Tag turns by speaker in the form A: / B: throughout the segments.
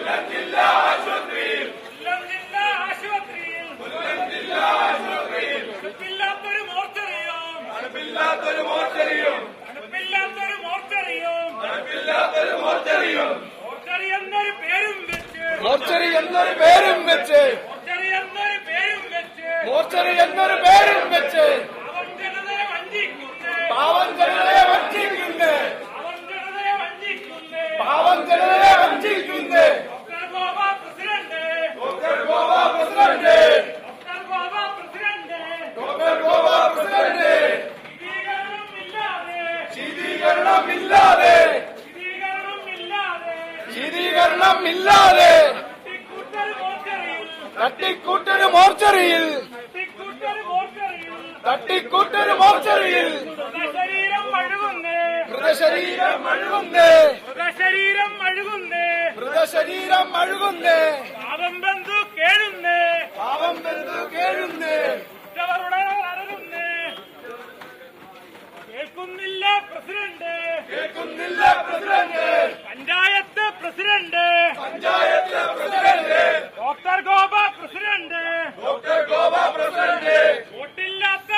A: Mortuary എന്നൊരു പേരും വെച്ച് പാവം ജനതയെ വഞ്ചിക്കുന്നേ ശീതീകരണമില്ലാതെ തട്ടിക്കൂട്ടൊരു മോർച്ചറിയിൽ മൃതശരീരം അഴുകുന്നേ പാവം ബന്ധു കേഴുന്നേ
B: കേൾക്കുന്നില്ല president panchayat president doctor Gopa president വോട്ടില്ലാത്ത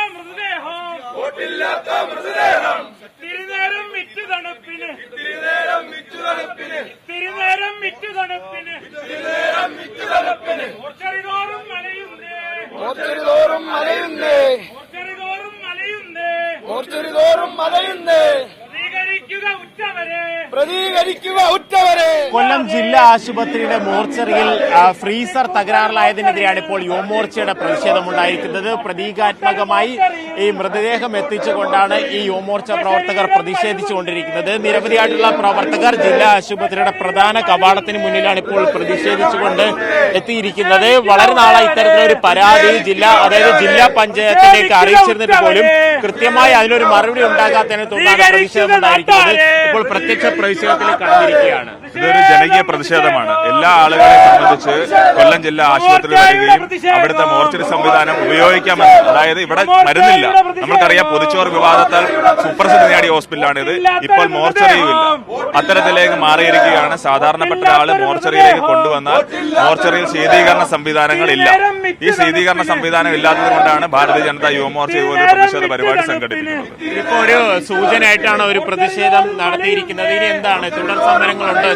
B: മൃതദേഹം തിരുനേരം വിറ്റു തണുപ്പിന് മോർച്ചറിതോറും മലയുന്നേ പ്രതികരിക്കുക ഉറ്റവരെ.
C: കൊല്ലം ജില്ലാ ആശുപത്രിയുടെ മോർച്ചറിയിൽ ഫ്രീസർ തകരാറിലായതിനെതിരെയാണ് ഇപ്പോൾ യുവമോർച്ചയുടെ പ്രതിഷേധമുണ്ടായിരിക്കുന്നത്. പ്രതീകാത്മകമായി ഈ മൃതദേഹം എത്തിച്ചുകൊണ്ടാണ് ഈ യുവമോർച്ച പ്രവർത്തകർ പ്രതിഷേധിച്ചുകൊണ്ടിരിക്കുന്നത്. നിരവധിയായിട്ടുള്ള പ്രവർത്തകർ ജില്ലാ ആശുപത്രിയുടെ പ്രധാന കവാടത്തിന് മുന്നിലാണ് ഇപ്പോൾ പ്രതിഷേധിച്ചുകൊണ്ട് എത്തിയിരിക്കുന്നത്. വളരെ നാളെ ഇത്തരത്തിലൊരു പരാതി ജില്ലാ പഞ്ചായത്തിലേക്ക് അറിയിച്ചിരുന്നിട്ട് പോലും കൃത്യമായി അതിനൊരു മറുപടി ഉണ്ടാകാത്തതിനെ തുടർന്നാണ് പ്രതിഷേധമുണ്ടായിരിക്കുന്നത്. ഇപ്പോൾ പ്രത്യക്ഷ പ്രതിഷേധത്തിലേക്ക് കടന്നിരിക്കുകയാണ്.
D: ഇതൊരു ജനകീയ പ്രതിഷേധമാണ്. എല്ലാ ആളുകളെയും സംബന്ധിച്ച് കൊല്ലം ജില്ലാ ആശുപത്രി വരികയും അവിടുത്തെ മോർച്ചറി സംവിധാനം ഉപയോഗിക്കാമെന്ന്, അതായത് ഇവിടെ മരുന്നില്ല. നമുക്കറിയാം, പൊതിച്ചോറ് വിവാദത്താൽ സുപ്രസിദ്ധി നേടിയ ഹോസ്പിറ്റലാണിത്. ഇപ്പോൾ മോർച്ചറിയുമില്ല. അത്തരത്തിലേക്ക് മാറിയിരിക്കുകയാണ്. സാധാരണപ്പെട്ട ആള് മോർച്ചറിയിലേക്ക് കൊണ്ടുവന്നാൽ മോർച്ചറിയിൽ ശീതീകരണ സംവിധാനങ്ങളില്ല. ഈ ശീതീകരണ സംവിധാനം ഇല്ലാത്തത് കൊണ്ടാണ് ഭാരതീയ ജനതാ യുവമോർച്ച ഇതുപോലെ പ്രതിഷേധ പരിപാടി സംഘടിപ്പിക്കുന്നത്.
C: ഇപ്പൊ ഒരു സൂചനയായിട്ടാണ് ഒരു പ്രതിഷേധം നടത്തിയിരിക്കുന്നത്. ഇനി എന്താണ് തുടർ സമരങ്ങളുണ്ടോ?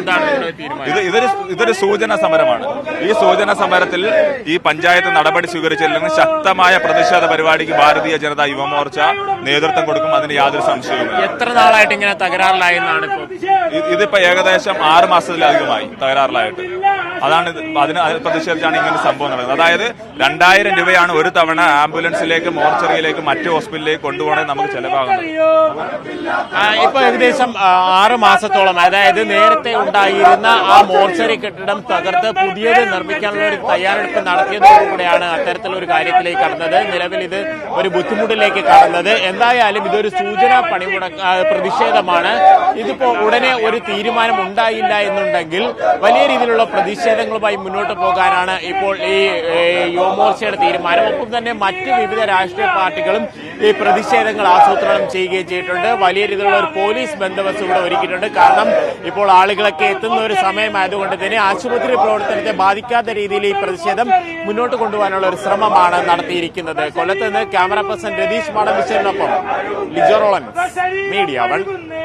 D: ഇതൊരു സൂചന സമരമാണ്. ഈ സൂചന സമരത്തിൽ ഈ പഞ്ചായത്ത് നടപടി സ്വീകരിച്ചില്ലെങ്കിൽ ശക്തമായ പ്രതിഷേധ പരിപാടിക്ക് ഭാരതീയ ജനതാ യുവമോർച്ച നേതൃത്വം കൊടുക്കും. അതിന് യാതൊരു സംശയവുമില്ല.
C: എത്ര നാളായിട്ട് ഇങ്ങനെ തകരാറിലായെന്നാണ്
D: ഇതിപ്പോ ഏകദേശം 6 മാസത്തിലധികമായി തകരാറിലായിട്ട്. അതിന് പ്രതിഷേധിച്ചാണ് ഇങ്ങനെ സംഭവം നടക്കുന്നത്. അതായത് 2000 രൂപയാണ് ഒരു തവണ ആംബുലൻസിലേക്ക്, മോർച്ചറിയിലേക്ക്, മറ്റു ഹോസ്പിറ്റലിലേക്ക് കൊണ്ടുപോകണമെങ്കിൽ നമുക്ക് ചെലവാകുന്നത്.
C: ഇപ്പൊ ഏകദേശം 6 മാസത്തോളം, അതായത് നേരത്തെ ഉണ്ടായിരുന്ന ആ മോർച്ചറി കെട്ടിടം തകർത്ത് പുതിയത് നിർമ്മിക്കാനുള്ള ഒരു തയ്യാറെടുപ്പ് നടത്തിയതോടുകൂടെയാണ് അത്തരത്തിലൊരു കാര്യത്തിലേക്ക് കടന്നത്. നിലവിൽ ഇത് ഒരു ബുദ്ധിമുട്ടിലേക്ക് കടന്നത്. എന്തായാലും ഇതൊരു സൂചനാ പ്രതിഷേധമാണ്. ഇതിപ്പോ ഉടനെ ഒരു തീരുമാനം ഉണ്ടായില്ല എന്നുണ്ടെങ്കിൽ വലിയ രീതിയിലുള്ള പ്രതിഷേധങ്ങളുമായി മുന്നോട്ട് പോകാനാണ് ഇപ്പോൾ ഈ യുവമോർച്ചയുടെ തീരുമാനം. ഒപ്പം തന്നെ മറ്റ് വിവിധ രാഷ്ട്രീയ പാർട്ടികളും ഈ പ്രതിഷേധങ്ങൾ ആസൂത്രണം ചെയ്യുകയും ചെയ്തിട്ടുണ്ട്. വലിയ രീതിയിലുള്ള ഒരു പോലീസ് ബന്ദോബസ്ത് ഇവിടെ ഒരുക്കിയിട്ടുണ്ട്. കാരണം ഇപ്പോൾ ആളുകളൊക്കെ എത്തുന്ന ഒരു സമയമായതുകൊണ്ട് തന്നെ ആശുപത്രി പ്രവർത്തനത്തെ ബാധിക്കാത്ത രീതിയിൽ ഈ പ്രതിഷേധം മുന്നോട്ട് കൊണ്ടുപോകാനുള്ള ഒരു ശ്രമമാണ് നടത്തിയിരിക്കുന്നത്. കൊല്ലത്ത് നിന്ന് ക്യാമറ പേഴ്സൺ രതീഷ് മാടമ്പിശ്ശേരിനൊപ്പം ലിജോ റോളൻ, മീഡിയ 1.